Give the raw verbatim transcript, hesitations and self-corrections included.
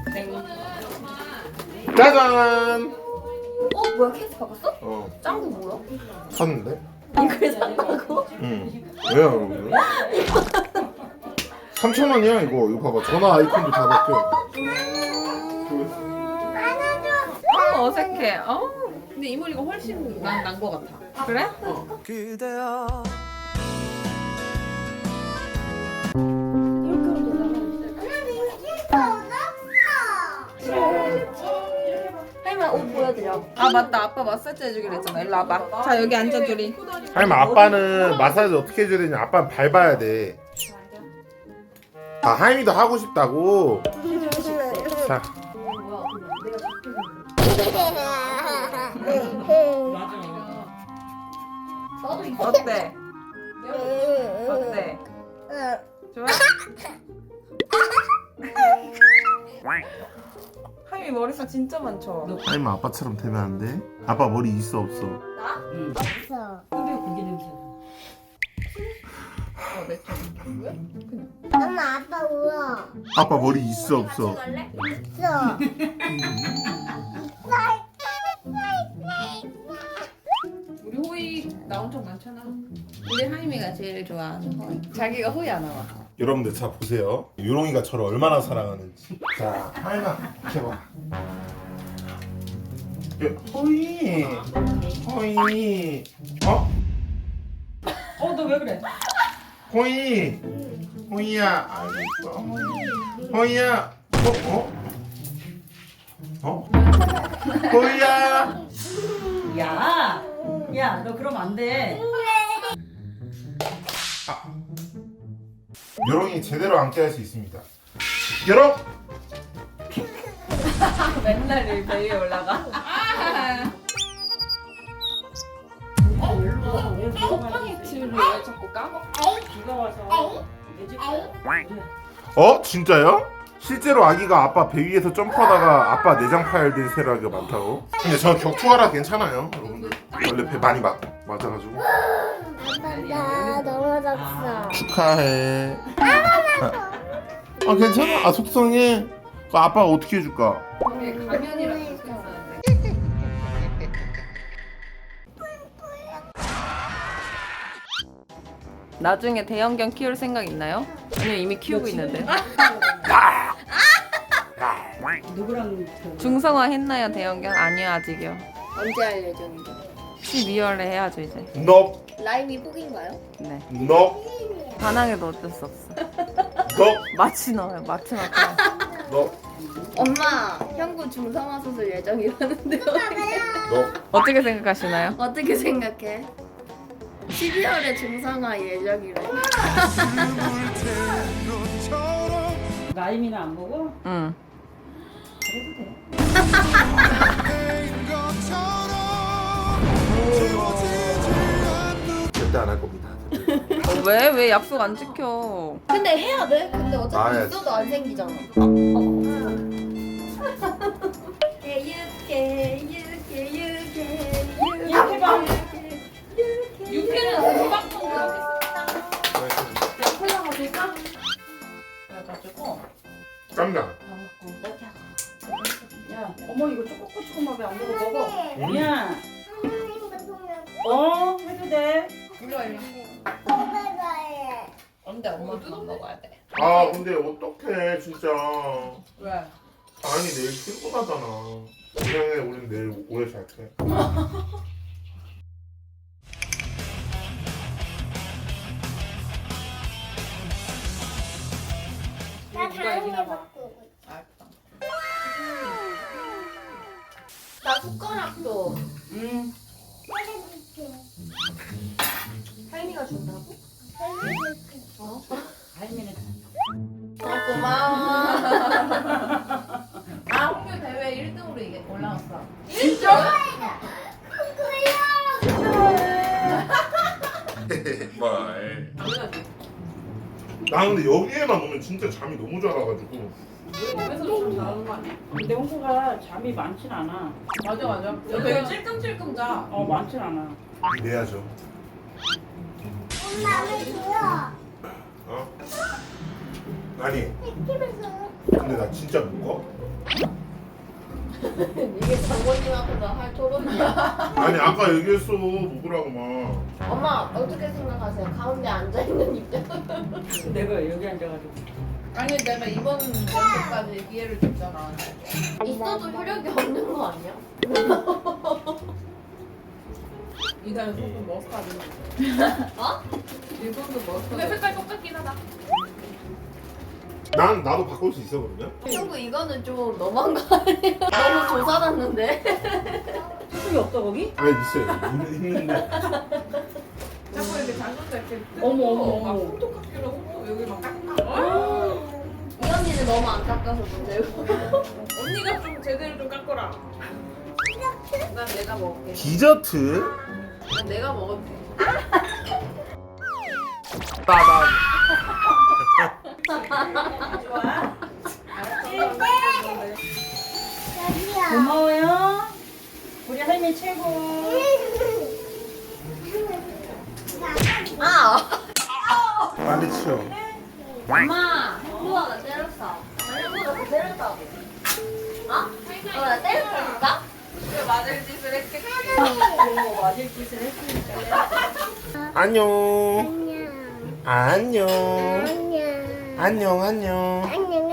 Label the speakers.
Speaker 1: 짜잔.
Speaker 2: 어 뭐야 케이스 바꿨어?
Speaker 1: 어.
Speaker 2: 짱구 뭐야?
Speaker 1: 샀는데?
Speaker 2: 이걸 산다고?
Speaker 1: 응. 왜요? 왜? 삼천 원이야 이거. 이거 봐봐. 전화 아이콘도 다 바뀌어.
Speaker 3: 어, 어색해. 어. 근데 이 머리가 훨씬 난난거 같아. 그래? 어.
Speaker 4: 그대여
Speaker 2: 할머니 옷 보여드려.
Speaker 3: 아 맞다. 아빠 마사지 해주기로 했잖아. 일로 와봐. 자 여기 앉아 둘이.
Speaker 1: 아니 아빠는 마사지 어떻게 해줘야 되냐? 아빠는 밟아야 돼. 아 하임이도 하고 싶다고. 자.
Speaker 3: 어때? 어때? 좋아? 하임이 머리숱 진짜 많죠?
Speaker 1: 하임이 아빠처럼 되면 안 돼? 아빠 머리 있어 없어?
Speaker 2: 없어.
Speaker 3: 어, 내 쪽. 왜? 그냥.
Speaker 2: 엄마 아빠 울어.
Speaker 1: 아빠 머리 있어 없어?
Speaker 2: 있어.
Speaker 3: 우리 호이 나온 적 많잖아. 우리 하임이가 제일 좋아하는 호이. 자기가 호이 안 나와.
Speaker 1: 여러분들 자 보세요. 요롱이가 저를 얼마나 사랑하는지. 자 하임아 이렇게 봐. 호이 호이 어?
Speaker 5: 어, 너 왜 그래?
Speaker 1: 호이 호이야 알겠어 호이 호이야 어? 어? 어? 호이야
Speaker 5: 야, 야, 너 그러면 안 돼.
Speaker 1: 요롱이 제대로 앉게 할 수 있습니다. 요롱
Speaker 3: 맨날 이 배 위에 올라가. 폰이치를 왜 자꾸 까먹?
Speaker 5: 비가 와서 내 집.
Speaker 1: 어? 진짜요? 실제로 아기가 아빠 배 위에서 점프하다가 아빠 내장 파열된 세라기가 많다고? 근데 저 격투하라 괜찮아요 여러분들. 원래 배 많이 맞, 맞아가지고.
Speaker 2: 아빠 나 넘어졌어.
Speaker 1: 축하해. 아 괜찮아? 아 속상해? 그 아빠가 어떻게 해줄까?
Speaker 3: 가면이라고 했었는데. 나중에 대형견 키울 생각 있나요? 아니면 이미 키우고 있는데.
Speaker 5: 누구랑 그
Speaker 3: 중성화 했나요 대형견? 아니요 아직이요.
Speaker 2: 언제 할 예정인데?
Speaker 3: 십이월에 해야죠 이제.
Speaker 1: 너
Speaker 2: 라임이 폭인가요?
Speaker 3: 네.
Speaker 1: 너
Speaker 3: 반항해도 어쩔 수 없어.
Speaker 1: 너
Speaker 3: 마취 넣어요 마취 넣고.
Speaker 1: 너
Speaker 2: 엄마 형구 중성화 수술 예정이라는데요.
Speaker 1: 너
Speaker 3: 어떻게 생각하시나요?
Speaker 2: 어떻게 생각해? 십이월에 중성화 예정이래.
Speaker 5: 라임이나 안 보고
Speaker 3: 응.
Speaker 5: 그래도 돼.
Speaker 1: 절대 안 할 겁니다.
Speaker 3: 어, 왜? 왜 약속 안 지켜?
Speaker 2: 근데 해야 돼. 근데
Speaker 1: 아,
Speaker 2: 어차피
Speaker 1: 예.
Speaker 2: 있어도 안 생기잖아. 유쾌 유쾌 유쾌
Speaker 5: 이렇게 봐.
Speaker 3: 육회는 금방 먹어.
Speaker 5: 콜라 마실까? 그래가지고
Speaker 1: 깜짝.
Speaker 5: 야, 어머 이거 초코초코만 왜안 먹어 먹어. 야, 어 해도 돼.
Speaker 3: 일로 일로. 근데 엄마 그만 먹어야 돼.
Speaker 1: 아 근데 어떡해 진짜.
Speaker 3: 왜?
Speaker 1: 아니 내일 출근하잖아. 그냥 해. 우린 내일 오래 잘게.
Speaker 2: 나 다른 거 먹고.
Speaker 3: 알았다.
Speaker 2: 나 숟가락도.
Speaker 5: 응.
Speaker 2: 할미가 준다고? 어?
Speaker 5: 할미는
Speaker 2: 어, 고마워.
Speaker 3: 아 홍교 대회 일 등으로 이게 올라왔어.
Speaker 1: 말. 나 근데 여기에만 오면 진짜 잠이 너무 잘 와가지고.
Speaker 3: 집에서 좀 잘하는 거 아니야?
Speaker 5: 근데 홍구가 잠이 많진 않아.
Speaker 3: 맞아 맞아. 되게 찔끔찔끔 자.
Speaker 5: 어 많진 않아.
Speaker 1: 내야죠.
Speaker 2: 엄마 왜 줘요?
Speaker 1: 어? 아니. 근데 나 진짜 묶어?
Speaker 2: 이게 장모님 앞에서 할 토론이야.
Speaker 1: 아니 아까 얘기했어 먹으라고 막.
Speaker 2: 엄마 어떻게 생각하세요? 가운데 앉아 있는 입장.
Speaker 5: 내가 여기 앉아가지고.
Speaker 3: 아니 내가 이번 연도까지 기회를 줬잖아.
Speaker 2: 있어도 효력이 없는 거 아니야?
Speaker 3: 이달에 소금 머스타드.
Speaker 2: 어?
Speaker 3: 일본도 머스타드. 근데 색깔 똑같긴 하다.
Speaker 1: 난 나도 바꿀 수 있어 그러면?
Speaker 2: 친구 이거는 좀 너무한 거 아니야? 너무 조사났는데.
Speaker 5: 수술이 없어 거기?
Speaker 1: 아니 있어요. 있는- 있는데.
Speaker 3: 자꾸 이렇게 장군자 이렇게
Speaker 5: 어머, 어머,
Speaker 3: 막
Speaker 5: 어머.
Speaker 3: 홈토카피로 홈토 여기 막 깎아.
Speaker 2: 이 언니는 너무 안 깎아서 문제고.
Speaker 3: 언니가 좀 제대로 좀 깎아라. 난 내가 먹을게.
Speaker 1: 디저트?
Speaker 3: 난 내가 먹을게.
Speaker 1: 따단.
Speaker 5: 좋아.
Speaker 3: 알았어.
Speaker 5: 고마워요. 우리 할머니 최고.
Speaker 2: 아!
Speaker 1: 빨리 치워.
Speaker 2: 엄마! 누가 나 때렸어. 누가 나 때렸다고. 어? 어, 나 때렸다니까?
Speaker 3: 왜 맞을 짓을 했겠지?
Speaker 5: 뭐 맞을 짓을 했으니까.
Speaker 1: 안녕. 안녕.
Speaker 2: 안녕.
Speaker 1: 안녕 안녕.
Speaker 2: 안녕.